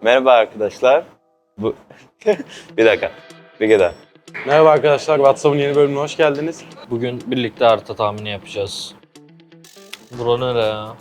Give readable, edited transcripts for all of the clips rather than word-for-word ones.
Merhaba arkadaşlar. Bu bir dakika. Bir kere daha. Merhaba arkadaşlar, WhatsApp'ın yeni bölümüne hoş geldiniz. Bugün birlikte harita tahmini yapacağız. Bura nere ya?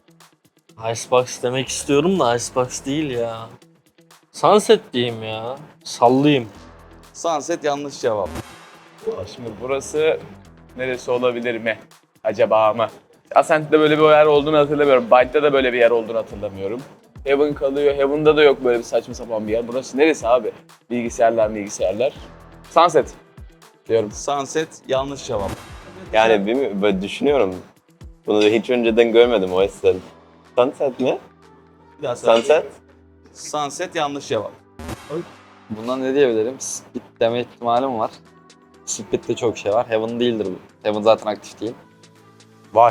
Icebox demek istiyorum da Icebox değil ya. Sunset diyeyim ya. Sallayayım. Sunset yanlış cevap. Şimdi burası neresi olabilir mi? Acaba mı? Ascent'te böyle bir yer olduğunu hatırlamıyorum. Bind'de de böyle bir yer olduğunu hatırlamıyorum. Heaven kalıyor. Heaven'da da yok böyle bir saçma sapan bir yer. Burası neresi abi? Bilgisayarlar. Sunset diyorum. Sunset yanlış cevap. Yani bilmiyorum, böyle düşünüyorum. Bunu hiç önceden görmedim o yüzden. Sunset mi? Bir daha söyle. Sunset? Sunset yanlış cevap. Bundan ne diyebilirim? Split deme ihtimalim var. Split'te çok şey var. Heaven değildir bu. Heaven zaten aktif değil. Vay.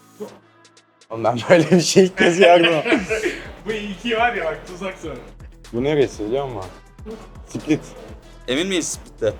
Oğlum ben böyle bir şey ilk kez gördüm. Bu iki var ya bak tuzak sonra. Bu neresi biliyor musun? Split. Emin miyiz Split'te?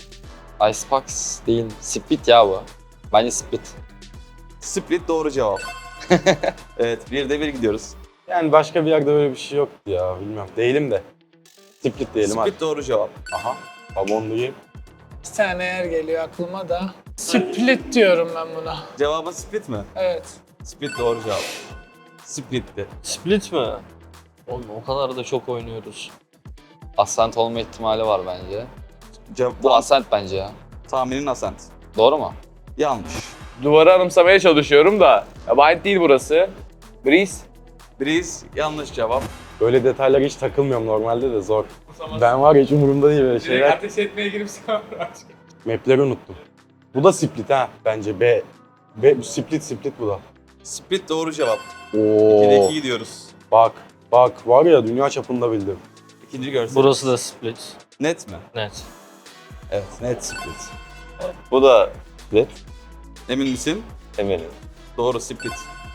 Icebox değil. Split ya bu. Bence Split. Split doğru cevap. Evet, bir de bir gidiyoruz. Yani başka bir yerde böyle bir şey yoktu ya, bilmiyorum. Değilim de. Split diyelim hadi. Split doğru cevap. Aha. Babonluyum. Bir tane yer geliyor aklıma da. Split diyorum ben buna. Cevabın Split mi? Evet. Split doğru cevap. Split'ti. Split mi? Oğlum o kadar da çok oynuyoruz. Ascent olma ihtimali var bence. Cevap, Bu Ascent bence ya. tahminin Ascent. Doğru mu? Yanlış. Duvarı anımsamaya çalışıyorum da. Ya Bind değil burası. Breeze. Breeze yanlış cevap. Böyle detaylara hiç takılmıyorum normalde de zor. Ben var ya hiç umurumda değil böyle şeyler. ateş etmeye girip Map'leri unuttum. Bu da Split ha bence. B Split bu da. Split doğru cevap. Oo. 2'de 2 gidiyoruz. Bak var ya dünya çapında bildim. İkinci görsel. Burası da split. Net mi? Net. Evet, net Split. Bu da split. Emin misin? Eminim. Doğru Split.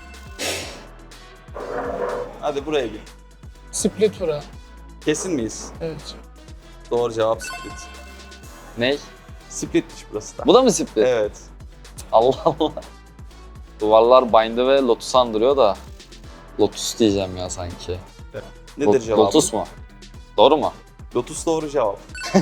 Hadi buraya gir. Split bura. Kesin miyiz? Evet. Doğru cevap Split. Ney? Splitmiş burası da. Bu da mı Split? Evet. Allah Allah. Duvarlar Bind'i ve Lotus'u andırıyor da. Lotus diyeceğim ya sanki. Nedir cevabı? Lotus mu? Doğru mu? Lotus doğru cevap.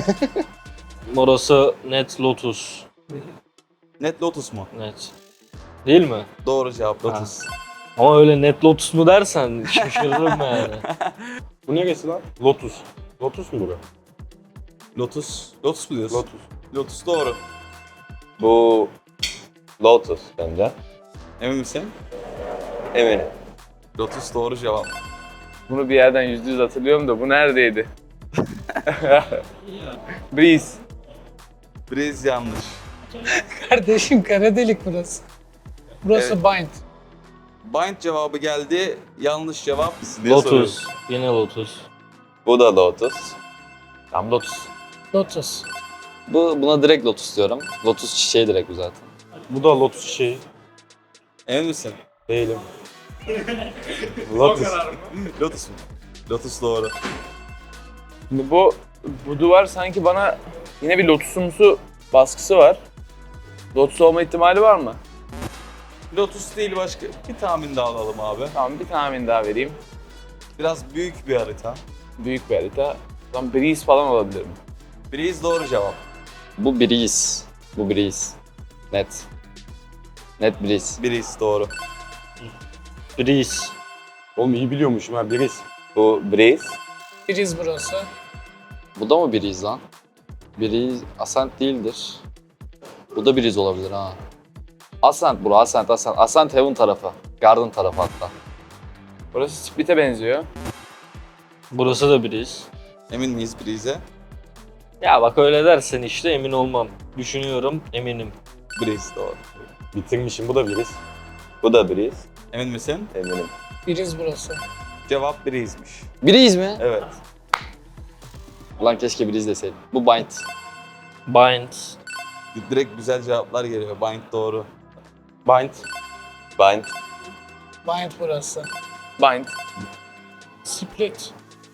Orası net Lotus. Net Lotus mu? Net. Değil mi? Doğru cevap Lotus. Ama öyle net Lotus mu dersen şaşırırım yani. Bu neresi lan? Lotus. Lotus mu bura? Lotus. Lotus mu diyorsun? Lotus. Lotus doğru. Bu Lotus bence. Emin misin? Eminim. Lotus doğru cevap. Bunu bir yerden %100 hatırlıyorum da bu neredeydi? Breeze. Breeze yanlış. Kardeşim kara delik burası. Burası Bind. Bind cevabı geldi. Yanlış cevap. diye soruyorum. Lotus. Yine Lotus. Bu da Lotus. Tam Lotus. Lotus. Buna direkt Lotus diyorum. Lotus çiçeği direkt bu zaten. Bu da Lotus çiçeği. Emin misin? Değilim. Lotus. Lotus mu? Lotus doğru. Şimdi bu duvar sanki bana yine bir lotusumsu baskısı var. Lotus olma ihtimali var mı? Lotus değil başka. Bir tahmin daha alalım abi. Tamam bir tahmin daha vereyim. Biraz büyük bir harita. Büyük bir harita. O zaman Breeze falan olabilir mi? Breeze doğru cevap. Bu Breeze. Bu Breeze. Net. Net Breeze. Breeze doğru. Breeze. Oğlum iyi biliyormuşum ha birisi. Bu Breeze. Biriz burası. Bu da mı Breeze lan? Breeze Ascent değildir. Bu da Breeze olabilir ha. Ascent bura, Ascent. Ascent Heaven tarafı. Garden tarafı hatta. Burası Split'e benziyor. Burası da Breeze. Emin miyiz Breeze'e? Ya bak öyle dersen işte emin olmam. Düşünüyorum eminim. Breeze doğru. Bitirmişim bu da birisi. Bu da Breeze. Emin misin? Eminim. Biriz burası. Cevap Breeze'miş. Breeze mi? Evet. Ulan keşke Breeze deseydim. Bu Bind. Bind. Direkt güzel cevaplar geliyor. Bind doğru. Bind. Bind. Bind burası. Bind. Split.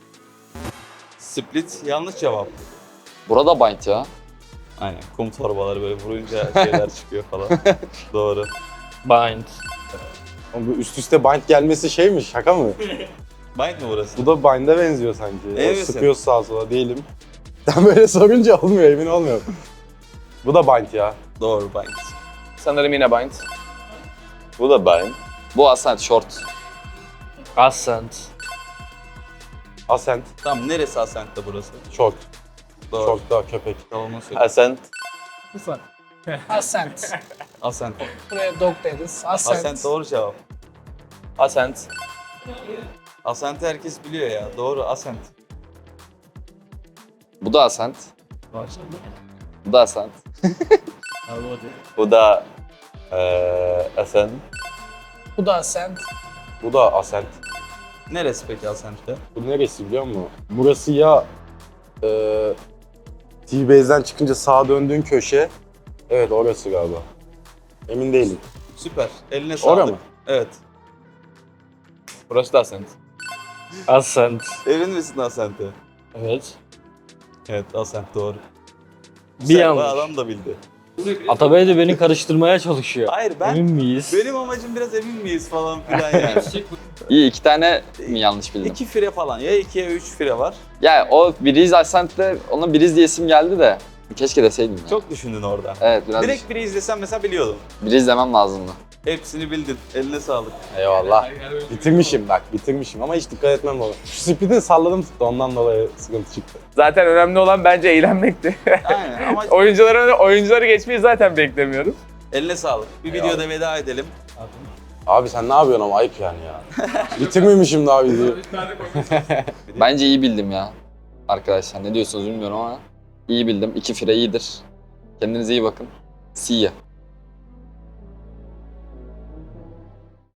Split yanlış cevap. Burada Bind ya. Aynen. Kum torbaları böyle vurunca şeyler çıkıyor falan. Doğru. Bind. Oğlum bu üst üste bind gelmesi şey mi? Şaka mı? Bind mi burası? Bu da Bind'e benziyor sanki. Evet. Sıkıyoruz sağa sola değilim. Sen böyle sorunca olmuyor, emin olmuyorum. Bu da Bind ya. Doğru Bind. Sanırım yine Bind. Bu da Bind. Bu Ascent short. Ascent. Ascent, Tamam neresi Ascent'te burası? short. Doğru. Short da köpek. Savunma söyle. Ascent. Ascent. Ascent. Buraya dog deriz. Ascent. Ascent doğru cevap. Ascent. Ascent'i herkes biliyor ya. Doğru Ascent. Bu da Ascent. Bu da Ascent. Bu da Ascent. Bu da Ascent. Bu da Ascent. Neresi peki Ascent'te? Bu neresi biliyor musun? Burası ya T-Base'den çıkınca sağa döndüğün köşe. Evet orası galiba. Emin değilim. Süper. Eline sağlık. Orada mı? Evet. Burası da Ascent. Ascent. Emin misin Ascent'e? Evet. Evet Ascent doğru. Bir Sen, bu yanlış. adam da bildi. Atabey de beni karıştırmaya çalışıyor. Hayır ben Emin miyiz? benim amacım biraz emin miyiz falan filan yani. İyi 2 tane mi yanlış bildim? 2 fire falan ya 2 ya 3 fire var. Ya o Breeze Ascent'te ona Breeze diye isim geldi de keşke deseydim ya. Çok düşündün orada. Evet biraz Direkt biri izlesen mesela biliyordun. Breeze demem lazımdı. Hepsini bildin. Eline sağlık. Eyvallah. Bitirmişim bak, bitirmişim ama hiç dikkat etmem lazım. Şu split'i salladım tuttu, ondan dolayı sıkıntı çıktı. Zaten önemli olan bence eğlenmekti. Aynen ama Oyuncuları geçmeyi zaten beklemiyorum. eline sağlık. Bir videoda veda edelim. Abi sen ne yapıyorsun ama ayıp yani ya. Bitirmemişim daha videoyu. Bence iyi bildim ya. Arkadaşlar ne diyorsunuz bilmiyorum ama iyi bildim. 2 fire iyidir. Kendinize iyi bakın. See ya.